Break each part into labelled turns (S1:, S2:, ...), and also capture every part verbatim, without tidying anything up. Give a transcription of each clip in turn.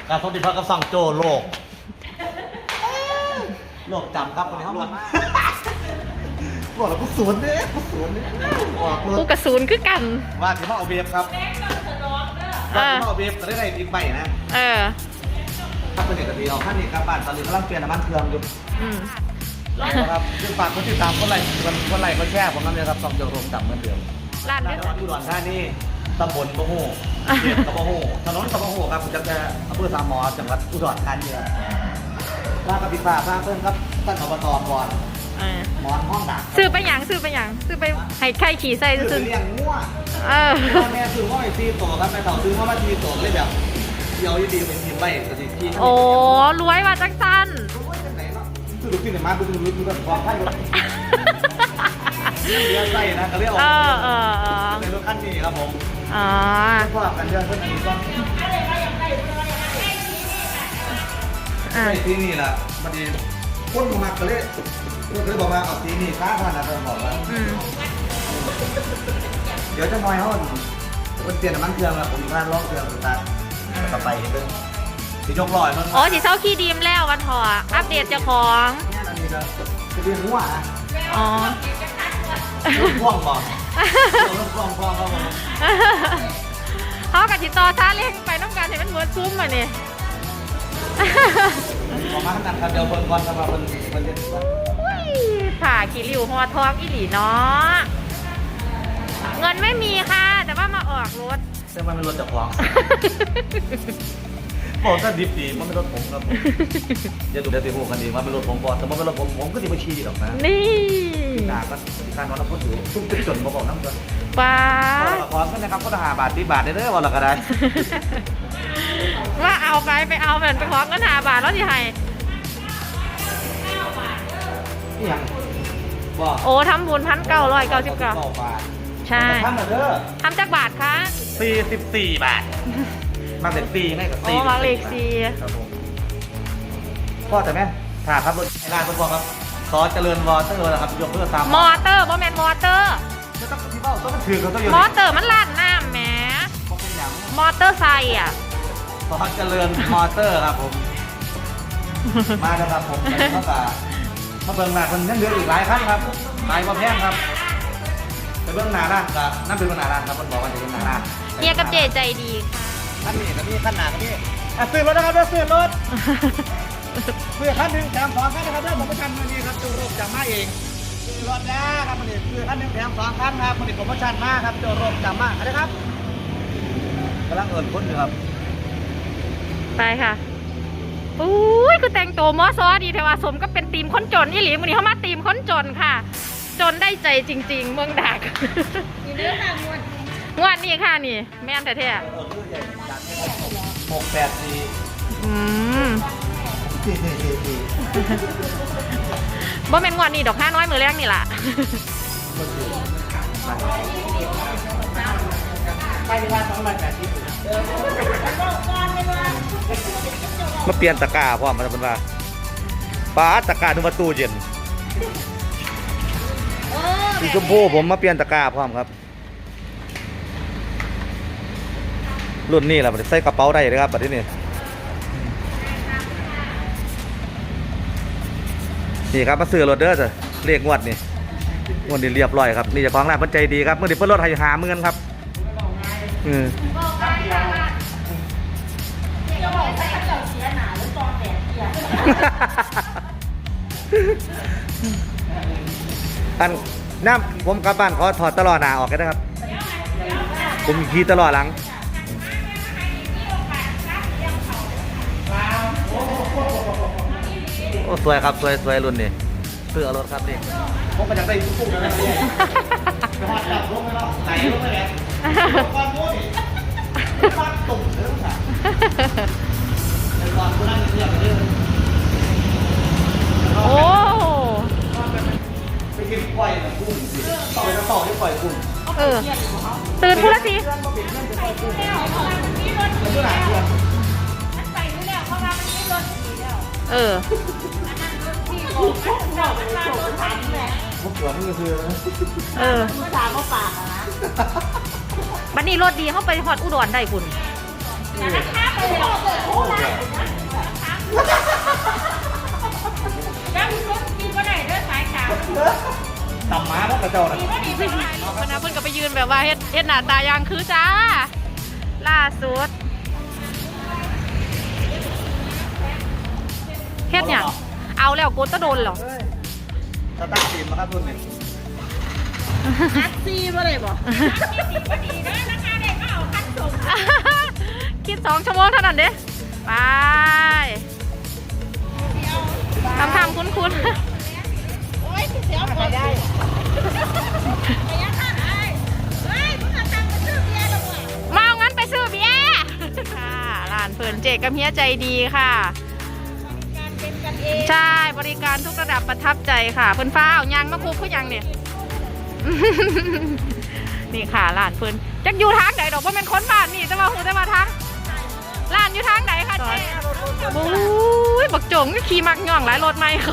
S1: การท่องเที่ยวพักกับสั่งโจโลกโลกจำครับคนนี้เขาบอกบอกแล้วกูสวนเนี่ยกูสวนเนี่ยบอกเลย
S2: กูกระสุนคือกัน
S1: ว่าที่มาเอาเบียบครับว่าที่มาเอาเบียบจะได้ไรอีกใบนะ
S2: เออ
S1: ถ้าเป็นเด็กกะทิเอาขั้นนี้ครับบ้านตอนนี้กำลังเปลี่ยนน้ำมันเครื่องอยู่
S2: อืม
S1: นะครับซึ่งฝากคนติดตามคนไลค์คนไลค์คนแชร์ผมนั่นเลยครับส่องโจโรมจำเหมือนเดิม
S2: ร้าน
S1: จั
S2: นี้
S1: งหวัดอุดรธานีตำบลบะโฮเขตกบะโฮถนนกบะโฮครับผมจำได้อำเภอสามหมอจังหวัดอุดรธานีลากระปิฟ้าลากเพิ่มครับท่านอบตก่อน
S2: เออ
S1: หมอนห้องดัก
S2: ซื้อไปหยังซื้อไปหยังซื้อไปให้ไข่ขี่ใส่
S1: ซื้
S2: ซื้
S1: อ
S2: อ
S1: เลี้ยงงัว
S2: เออ
S1: พ่อแม่ซื้อห้อยซีโตครับแม่เต่าซื้อห้อยซีโตเลยแบบเดียวดีเป็นทีมใบกระดิ่งที่
S2: โอ้รวยว่าจังสัน
S1: ซื้อลูกชิ้นในมาดูดูดูแบบความไพ่รถเลี้ยงไส้นะก็เรียก
S2: เอ
S1: ว่า
S2: อเออเออ
S1: ในรถคันนี้ครับผม
S2: อ๋อ
S1: พวกกันเดือนเพิ่มอีกก็
S2: อ่ะ
S1: ไอ้ที่นี่แหละมันดีคนมาก็เลยก็เลยบอกว่าเอาที่นี่ค้าพันนะเพิ่มบอกว่า
S2: อืม
S1: เดี๋ยวจะน้อยห้องมันเปลี่ยนน้ำมันเครื่องแล้วผมพลาดล็อกเครื่องสุดท้ายต่อไปเป็นสียกลอยมัน
S2: โอ้สีเศร้าขี้ดีมแล้ววันถออัปเดตเจ้าของ
S1: อันนี้ก็จะเรียนหัวอ่ะ
S2: อ๋อ
S1: พ่วงบอกพ่วงพ่วงครับผม
S2: เขากับติดต่อซาเล้งไปน้ำการเห็นมันเหมือนซุ้มอ่ะนี่
S1: ออกมาขนาดครับเดี๋ยวเพิ่นก่อนครับมาเพิ่นเพิ่นเรียน
S2: ผ่าขี้ริ้วหัวทองอีหลีเนาะเงินไม่มีค่ะ แต่ว่ามาออกรถ
S1: แต่มันเป็นรถจากของบอกถ้าดิบดีมันเป็นรถผมครับอย่าดูเดี๋ยวตีหูกันดีว่าเป็นรถผมก่อนแต่มันเป็นรถผมผมก็ดีมาชี้หรอกนะ
S2: นี่
S1: หนาก็การนอนแล้วพูดอยู่ตุ้มติดจนมาบอกน้ำจน
S2: ป้า
S1: ขอกันนะครับก็ทหารบาทตีบาทได้เด้อวันละก็ได้
S2: ว่าเอาไปไปเอาเหมือนไปของกันหาบาทแล้วที่ให้
S1: นี่ยังบอก
S2: โอ้ทำบุญพันเก้าร้อยเก้าสิบเก้าใช่
S1: ทำมาเด้อ
S2: ทำจากบาทคะ
S1: สี่สิบสี่บาทมาเสร็จปีง่ายกับ
S2: โอ้
S1: สี่
S2: มาเลขสี่
S1: ครับผมพ่อแต่แม่ถ่าครับรถไอ้ร้านพ่อครับซอเจริญวอเตอร์นะครับยกเพื่อตาม
S2: มอเตอร์บอแมนมอเตอร์
S1: ไม่ต้องที่เบ้าต้องถือเขาต้องอยู่
S2: มอเตอร์มันลั่นน้ำแหม
S1: เขาเป็นอย่าง
S2: มอเตอร์ไซค์อ่ะ
S1: ซอเจริญมอเตอร์ครับผมมาแล้วครับผมแล้วก็มาเบิ่งหน้าคนยังเหลืออีกหลายขั้นครับหลายมาแพงครับไปเบิ่งหน้าร้านกับนั่นเป็นเบิ่งหน้าร้านครับมันบอกว่าจะเป็นหน้าร้าน
S2: เฮียกับเจใจดีค่ะ
S1: ขั้นนี้กับนี่ขั้นหน้ากับนี่อ่ะซื้อรถนะครับเด้อซื้อรถซื้อขั้นหนึ่งแถมสองขั้นนะครับเด้อผมประชันมานี่ครับจูโรบจำมาเองซื้อรถนะครับมันนี่ซื้อขั้นหนึ่งแถมสองขั้นครับมันนี่ผมประชันมาครับจูโรบจำมาอะไรครับกำลังเอิญพ้นอยู่ครับ
S2: ไปค่ะอุ้ยคือแต่งตัวมอซอดีเทว่าสมก็เป็นทีมคนจนนี่หลีมันนี้เขามาทีมคนจนค่ะ จนได้ใจจริง ๆ เมืองดักมีเรื่องงวดงวดนี้ค่ะนี่แม่นแท้
S1: เออคือใหญ่จัดหกแปดสี่
S2: ๆอืม
S1: สี่สี่สี่สี่
S2: บ่แม่นงวดนี้ดอกห้าน้อยมือแรกนี่ล่ะ
S1: ไปที่บ้านสองร้อยแปดสิบมาเปลี่ยนตะกร้าพร้อมมาเป็นว่าป้าตะกร้าดูมาตู้เย็นสีชมพูผมมาเปลี่ยนตะกร้าพร้อมครับรุ่นนี้แหละมันใส่กระเป๋าได้เลยครับแบบนี้นี่นี่ครับมาซื้อรถเด้อจ้ะเรียกงวดนี่งวดนี้เรียบร้อยครับนี่เจ้าของร้านเพิ่นใจดีครับเมื่อนี้เพิ่นลดให้หาเงินครับอืมอันน้ำผมกลับบ้านขอถอดตลอดหนาออกกันนะครับผมขี่ตลอดหลังโอ้สวยครับสวยสวยรุ่นนี้เสื้อรถครับนี่ผมก็อยากได้ทุกๆนะเนี่ยไปหอดจับลงไปแล้วไหลลงไปแล้วก้อนมุ้ยก้อนตุ่มเรื่องค่ะในก้อนกูนั่งเรียบไปเรื่อย
S2: โอ้
S1: ไปกินกล้วยกับกุ้งสิต่อไปจะต่อที่กล้วยกุ้ง
S2: เออตื่นพูดละสิ เออ
S1: พวกตัวนี่ก็คือ
S2: เออบันนี้รถดีเข้าไปฮอดอุดรได้คุณ
S1: เตำหมาพวกกระเจ้าน่ะ
S2: วันนั้นเพิ่นก็ไปยืนแบบว่าเฮ็ดเฮ็ดหน้าตายางคือจ้าล่าสุดเฮ็ดหยังเอาแล้วโกตะโดนเหรอ
S1: สตาร์ททีมนะครับรุ่นนี้
S3: แท็กซี่มาเลยบอก
S2: คิดสองชั่วโมงเท่านั้นเด้ไปทำทำคุ้นคุ้น
S3: โอ้ยเสียวปวดได้ไปยังข้างไอ้เฮ้ยมึงเอาตังค์มาซื้อเบียร์หรอวะ
S2: มาเอางั้นไปซื้อเบียร์ค่ะร้านเพิ่นเจกับเฮียใจดีค่ะ
S3: การเป็นกันเอง
S2: ใช่บริการทุกระดับประทับใจค่ะเพิ่นฟ้าเอายางมาคุกคือยังเนี่ย นี่ค่ะร้านเพิ่นจักอยู่ทางไหนดอกว่าเป็นคนบ้านนี่จะมาหูจะมาทางร้านอยู่ทางไหนคะเจ๊โอ้ยบักโจงก็ขี่มักย่องหลายรถไม่เขา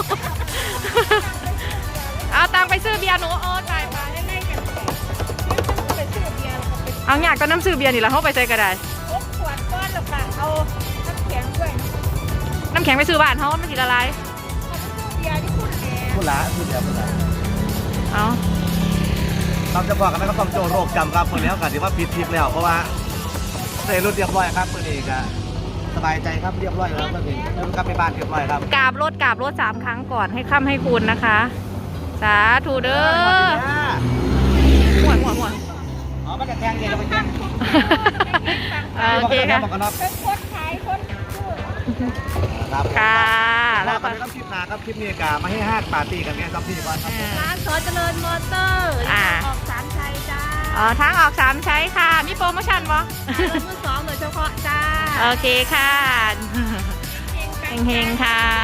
S2: เอาตังค์ไปซื้อเบียร์หนูโอ้ตายไป
S3: เล่นๆกันไปซื้อเบียร์แล้วก็ไป
S2: เอาอยากก็น้ำซื้อเบียร์นี่แหละเขาไปใส่ก็ได้
S3: พกขวดก้อนแล้วก็เอาน้ำแข็งด้วย
S2: น้ำแข็งไปซื้อบ้านเขามันกินอะไร
S3: เบียร์ที่คุณแอร์
S1: พูดละพูดเดียวพูดละ
S2: เอา
S1: เราจะบอกกันนะครับต้องโจโรคจำครับคนนี้ก็ถือว่าผิดทิพย์แล้วเพราะว่าเสร็จรุ่นเรียบร้อยครับคนนี้ก็สบายใจครับเรียบร้อยแล้วคนนี้แล้วกลับไปบ้านเรียบร้อยครับ
S2: กราบรถกราบรถสามครั้งก่อนให้ค่ำให้คุณนะคะ สาธุเด้อหมวนหมวนหมวน
S1: อ๋อมันจะแทงเย็นจะไปแทง
S2: โอเคค่ะ
S1: บอกกันเนาะ
S3: เป็นคนขายคนซื้อ
S1: ครับ
S2: ค่ะ
S1: แล้
S2: แล้ว ว
S1: ก็
S2: ก็
S1: ครับคลิปหนาครับคลิปนี้กามาให้ห้าปาร์ตี้กันเนี่ยครับพี่ก่อนครับ
S3: ร้านสอเจริญมอเตอร์
S2: อ่า
S3: ออกสามชัยจ้า
S2: อ๋อทางออกสามใช้ค่ะ มีโปรโมชั่นบ่
S3: รถมือสองโดยเฉพาะจ้า
S2: โอเคค่ะ เฮงๆค่ะ